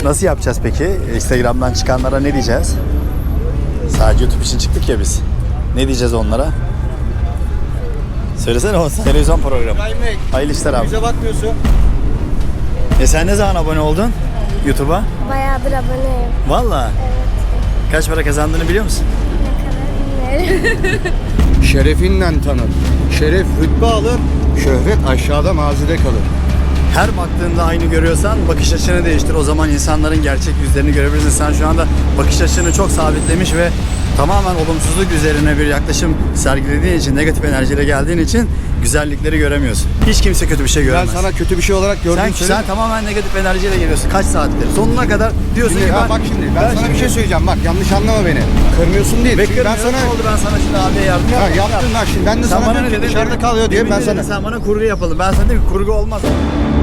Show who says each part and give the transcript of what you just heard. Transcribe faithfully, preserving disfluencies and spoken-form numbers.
Speaker 1: Nasıl yapacağız peki? Instagram'dan çıkanlara ne diyeceğiz? Sadece YouTube için çıktık ya biz. Ne diyeceğiz onlara? Söylesene o televizyon programı. Hayırlı işler abi.
Speaker 2: Bize bakmıyorsun.
Speaker 1: E sen ne zaman abone oldun YouTube'a?
Speaker 3: Bayağıdır aboneyim.
Speaker 1: Valla.
Speaker 3: Evet.
Speaker 1: Kaç para kazandığını biliyor musun?
Speaker 3: Ne kadar bilmiyorum.
Speaker 2: Şerefinden tanır. Şeref rütbe alır, şöhret aşağıda mazide kalır.
Speaker 1: Her baktığında aynı görüyorsan bakış açını değiştir. O zaman insanların gerçek yüzlerini görebilirsin. Sen şu anda bakış açını çok sabitlemiş ve tamamen olumsuzluk üzerine bir yaklaşım sergilediğin için, negatif enerjiyle geldiğin için güzellikleri göremiyorsun. Hiç kimse kötü bir şey
Speaker 2: Ben
Speaker 1: göremez.
Speaker 2: sana kötü bir şey olarak gördüm.
Speaker 1: sen, sen tamamen negatif enerjiyle geliyorsun. Kaç saattir? Sonuna kadar diyorsun
Speaker 2: Şimdi,
Speaker 1: ki
Speaker 2: ha,
Speaker 1: ben...
Speaker 2: bak şimdi ben, sana bir şey söyleyeceğim. Bak yanlış anlama beni. Kırmıyorsun değil. Çünkü ben sana...
Speaker 1: Ne oldu, ben sana şimdi abiye yardım
Speaker 2: Ha,
Speaker 1: yaptım.
Speaker 2: yaptın bak şimdi ben de
Speaker 1: Sen
Speaker 2: sana
Speaker 1: bana
Speaker 2: diyorum
Speaker 1: ne
Speaker 2: ki
Speaker 1: dedin?
Speaker 2: dışarıda kalıyor diye
Speaker 1: Demin
Speaker 2: ben
Speaker 1: dedin,
Speaker 2: sana...
Speaker 1: Sen bana kurgu yapalım. Ben sana dedim ki kurgu olmaz.